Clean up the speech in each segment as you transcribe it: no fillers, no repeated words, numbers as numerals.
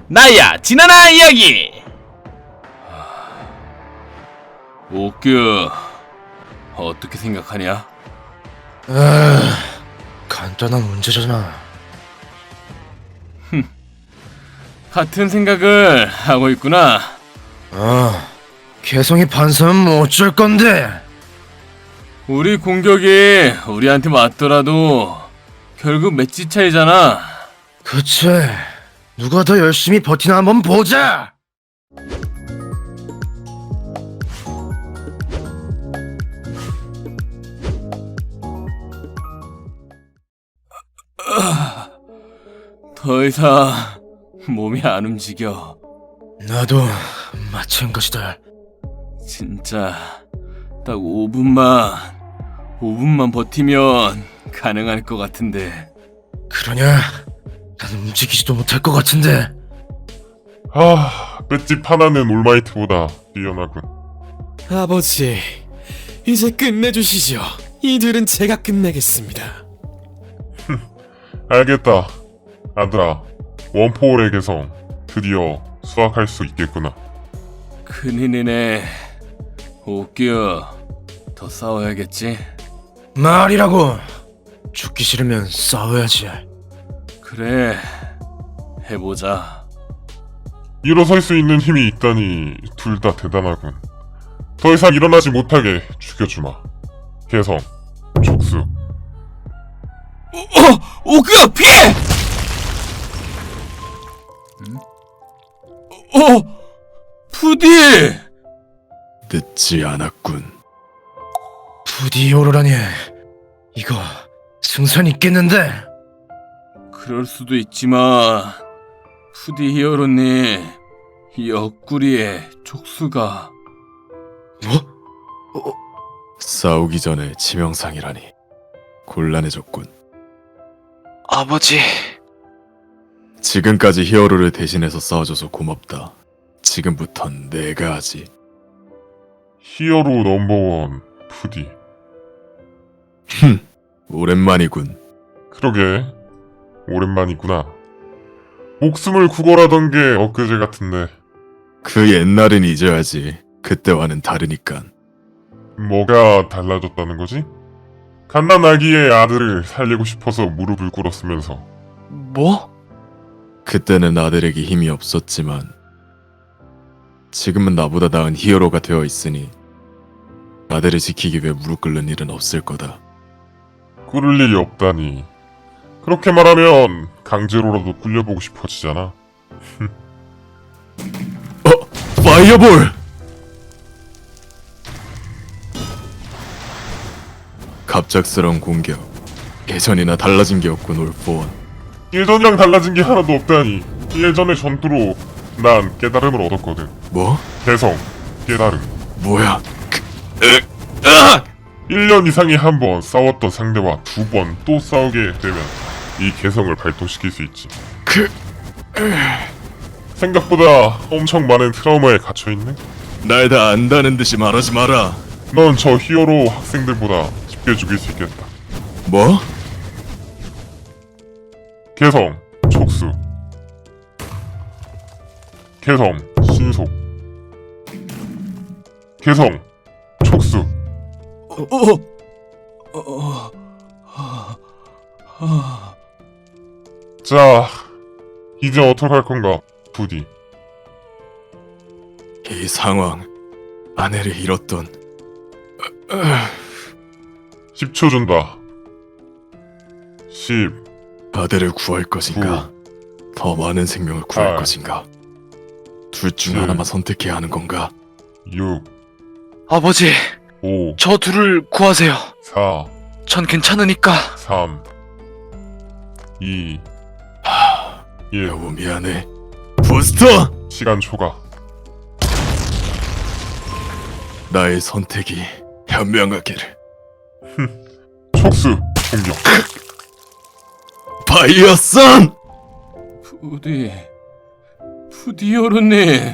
나야 지나나 이야기. 옥규, 어떻게 생각하냐? 간단한 문제잖아. 같은 생각을 하고 있구나. 개성이 반사면 뭐 어쩔 건데? 우리 공격이 우리한테 맞더라도 결국 매치 차이잖아. 그치. 누가 더 열심히 버티나 한번 보자! 더 이상 몸이 안 움직여. 나도 마찬가지다. 진짜 딱 5분만 버티면 가능할 것 같은데. 그러냐? 난 움직이지도 못할 것 같은데. 맷집 하나는 올마이트보다 뛰어나군. 아버지, 이제 끝내주시죠. 이들은 제가 끝내겠습니다. 알겠다. 아들아, 원포홀의 개성 드디어 수확할 수 있겠구나. 큰일이네. 옥규, 더 싸워야겠지? 말이라고! 죽기 싫으면 싸워야지. 그래, 해보자. 일어설 수 있는 힘이 있다니 둘 다 대단하군. 더 이상 일어나지 못하게 죽여주마. 개성, 촉수. 옥규, 피해! 푸디! 늦지 않았군. 부디 오로라니. 이거 승산 있겠는데? 그럴 수도 있지만 푸디 히어로님, 이 옆구리에 촉수가... 뭐? 싸우기 전에 치명상이라니 곤란해졌군. 아버지. 지금까지 히어로를 대신해서 싸워줘서 고맙다. 지금부턴 내가 하지. 히어로 넘버원 푸디. 오랜만이군. 그러게, 오랜만이구나. 목숨을 구걸하던 게 엊그제 같은데. 그 옛날은 잊어야지. 그때와는 다르니깐. 뭐가 달라졌다는 거지? 갓난아기의 아들을 살리고 싶어서 무릎을 꿇었으면서. 뭐? 그때는 아들에게 힘이 없었지만 지금은 나보다 나은 히어로가 되어 있으니 아들을 지키기 위해 무릎 꿇는 일은 없을 거다. 꿇을 일이 없다니. 그렇게 말하면 강제로라도 굴려보고 싶어지잖아. 파이어볼! 갑작스러운 공격. 예전이나 달라진 게 없군, 올포원. 예전이랑 달라진 게 하나도 없다니. 예전의 전투로 난 깨달음을 얻었거든. 뭐? 개성, 깨달음. 뭐야? 1년 이상에 한 번 싸웠던 상대와 2번 또 싸우게 되면 이 개성을 발동시킬 수 있지. 생각보다 엄청 많은 트라우마에 갇혀있네? 날 다 안다는 듯이 말하지 마라. 넌 저 히어로 학생들보다 쉽게 죽일 수 있겠다. 뭐? 개성, 촉수. 개성, 신속. 개성, 촉수. 자, 이제 어떡할 건가, 부디. 이 상황. 아내를 잃었던 10초 준다. 10, 아들을 구할 것인가? 더 많은 생명을 구할 8, 것인가? 둘 중 7, 하나만 선택해야 하는 건가? 6, 아버지, 5, 저 둘을 구하세요. 4, 전 괜찮으니까. 3, 2, 1. 여보 미안해. 부스터! 시간 초과. 나의 선택이 현명하기를. 촉수 공격. 파이어선! 푸디 히어로님.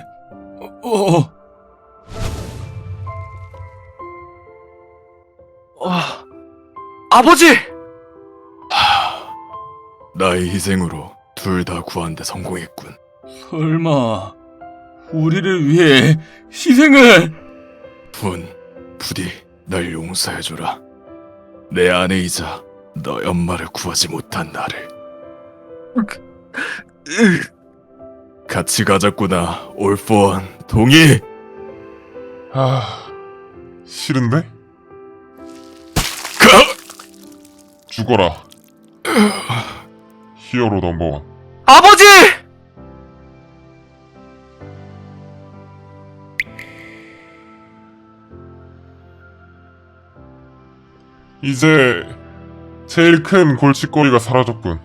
아버지! 나의 희생으로 둘 다 구하는데 성공했군. 설마 우리를 위해 희생을? 부디 날 용서해줘라. 내 아내이자 너의 엄마를 구하지 못한 나를. 같이 가자꾸나. 올포원 동의. 아, 싫은데? 죽어라. 히어로 넘버원. 아버지! 이제 제일 큰 골칫거리가 사라졌군.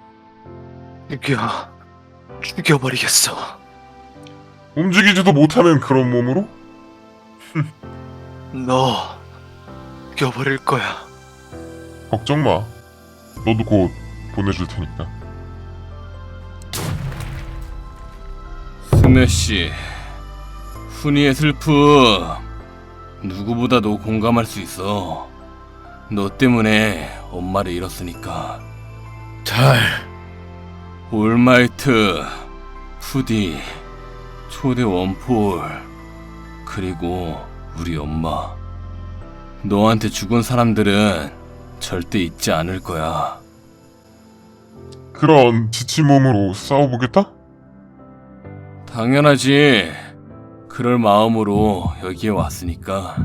죽여버리겠어. 움직이지도 못하는 그런 몸으로? 너 죽여버릴 거야. 걱정 마. 너도 곧 보내줄 테니까. 스매시, 훈이의 슬픔 누구보다도 공감할 수 있어. 너 때문에 엄마를 잃었으니까. 달, 올마이트, 푸디, 초대 원폴, 그리고 우리 엄마. 너한테 죽은 사람들은 절대 잊지 않을 거야. 그런 지친 몸으로 싸워보겠다? 당연하지. 그럴 마음으로 여기에 왔으니까.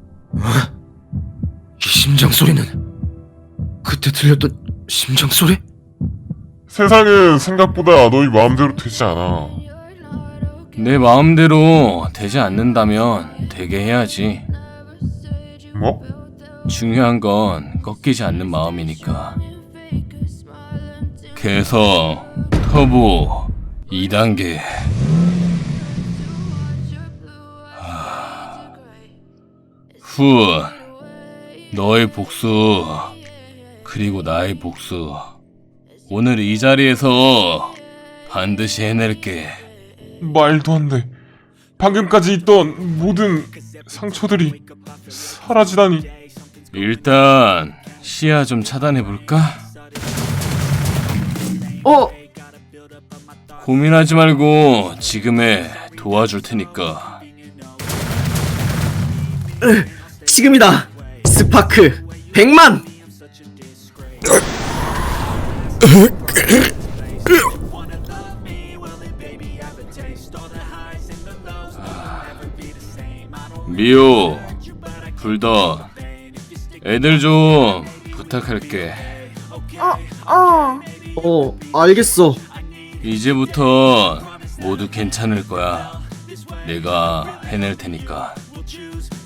이 심장 소리는 그때 들렸던 심장 소리? 세상은 생각보다 너희 마음대로 되지 않아. 내 마음대로 되지 않는다면 되게 해야지. 뭐? 중요한 건 꺾이지 않는 마음이니까. 개성, 터보, 2단계. 훈, 너의 복수, 그리고 나의 복수. 오늘 이 자리에서 반드시 해낼게. 말도 안 돼. 방금까지 있던 모든 상처들이 사라지다니. 일단 시야 좀 차단해볼까? 고민하지 말고 지금에 도와줄 테니까. 지금이다. 스파크 100만. 미호, 불던, 애들 좀 부탁할게. 알겠어. 이제부터 모두 괜찮을 거야. 내가 해낼 테니까.